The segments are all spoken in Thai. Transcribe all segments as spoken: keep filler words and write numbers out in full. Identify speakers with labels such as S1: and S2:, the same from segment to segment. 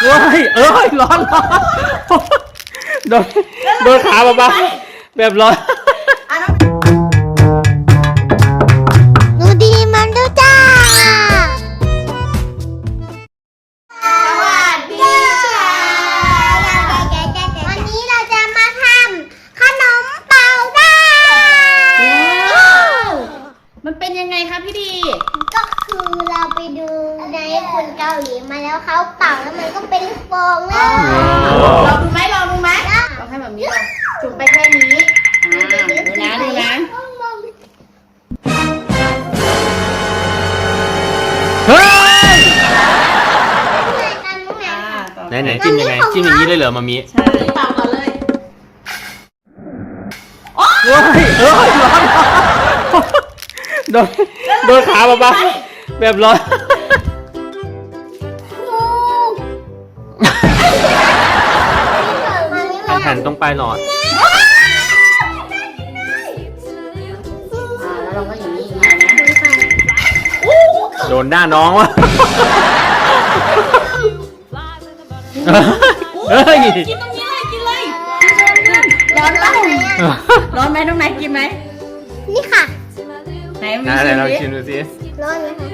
S1: เฮ้ยเอ้ยร้อนร้อนโดนโดนขาบ้าๆแบบร้อน
S2: ดูดีมันดูจ้าสวัสดีค่ะวันนี้เราจะมาทำขนมเป่าได้
S3: มันเป็นยังไงคะพี่ดี
S2: ก็คือเราไปดูในคนเกาหลีมาแล้วเขาเป่าแล้วมันก็เป็นลูกโป่งเลย
S3: ลองดูไหมลองดูไหมลองให้แบบนี้ลองจุ่มไปแค่นี้ดูนะดูนะ
S1: เฮ้ยไหนไหนจิ้มยังไงจิ้มอย่างนี้เลยเหรอมามี
S3: ใช่เป่าก่อนเลย
S1: เฮ้ยเอ้ยร้อนโดนโดนขาบ้าๆแบบร้อนหันตรงปลายหลอด
S3: แล้วเราก็อย่างนี้อย่างนี้นะ
S1: โดนหน้าน้องวะเฮ้ย
S3: กินตรงนี้เลยกินเลยร้อนปะร้อนไหมน้องไหนกินไหม
S2: นี่ค่ะ
S3: ไหน
S1: ไหนเราชิมดูสิ
S2: ร้อนไหมคะ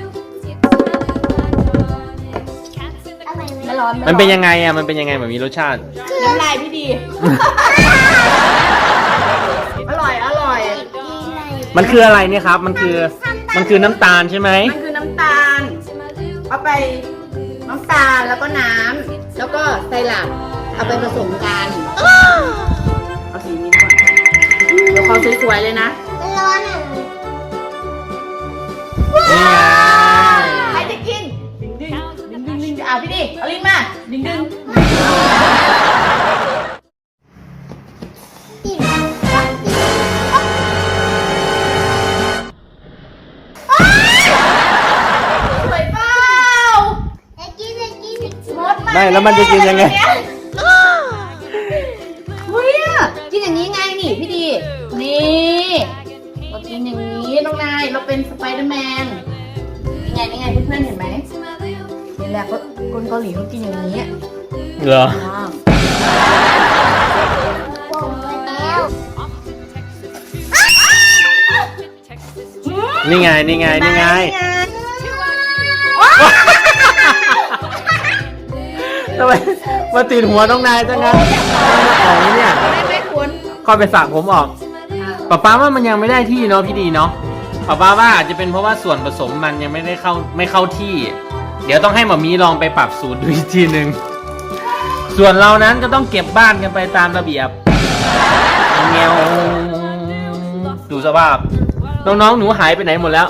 S3: ไม่ร้อน
S1: มันเป็นยังไงอ่ะมันเป็นยังไงแบบมีรสชาติ
S3: น้ำลายพี่ดีอร่อยอร่อย
S1: มันคืออะไรเนี่ยครับมันคือมันคือน้ำตาลใช่ไหม
S3: มันคือน้ำตาลเอาไปน้ำตาลแล้วก็น้ำแล้วก็ไซรัปเอาไปผสมกันเอาสีนี้ด้วยเดี๋ยวเขาสวยๆเลยนะ
S2: มันร้อนอ่ะ
S3: ใครจะกินดึงดึงดึงดึงดึงเอาพี่ดิเอาลิ้นมาดึงดึงสวยเปล่า
S2: จะกินจะกิน
S1: ไม่แล้วมันจะกินยังไง
S3: เฮ้ยกินอย่างนี้ไงนี่พี่ดีนี่เรากินอย่างนี้น้องนายเราเป็นสไปเดอร์แมนนี่ไงนี่ไงเพื่อนๆเห็นไหมนี่แหละคนเกาหลีเขากินอย่างนี้
S1: เหรอนี่ไงนี่ไงนี่ไงทำไมมาติดหัวน้องนายจังงั้นออกนี่เนี่ย
S3: ไม่ไม่ควร
S1: คอยไปสระผมออกป้าป้าว่ามันยังไม่ได้ที่เนาะพี่ดีเนาะป้าป้าว่าอาจจะเป็นเพราะว่าส่วนผสมมันยังไม่ได้เข้าไม่เข้าที่เดี๋ยวต้องให้หมอมีลองไปปรับสูตรดูอีกทีหนึ่งส่วนเรานั้นก็ต้องเก็บบ้านกันไปตามระเบียบเงี้ยวดูสภาพน้องๆหนูหายไปไหนหมดแล้ว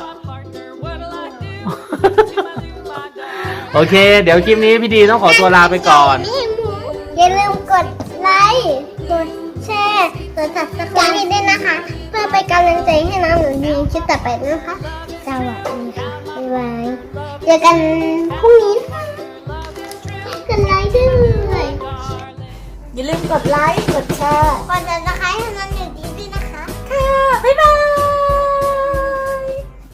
S1: โอเคเดี๋ยวคลิปนี้พี่ดีต้องขอตัวลาไปก่อน
S2: อย่าลืมกดไลค์กดแชร์กด ซับสไครบ์ ด้วยนะคะเพื่อเป็นกำลังใจให้น้องหนูดีคลิปต่อไปนะคะสวัสดีค่ะบ๊ายบายเจอกันพรุ่งนี้กดไลค์ด้วย
S3: อย่าลืมกดไลค์กดแชร์
S2: กด ซับสไครบ์ ให้น้องหนูดีด้วยนะคะ
S3: ค่ะบ๊ายบาย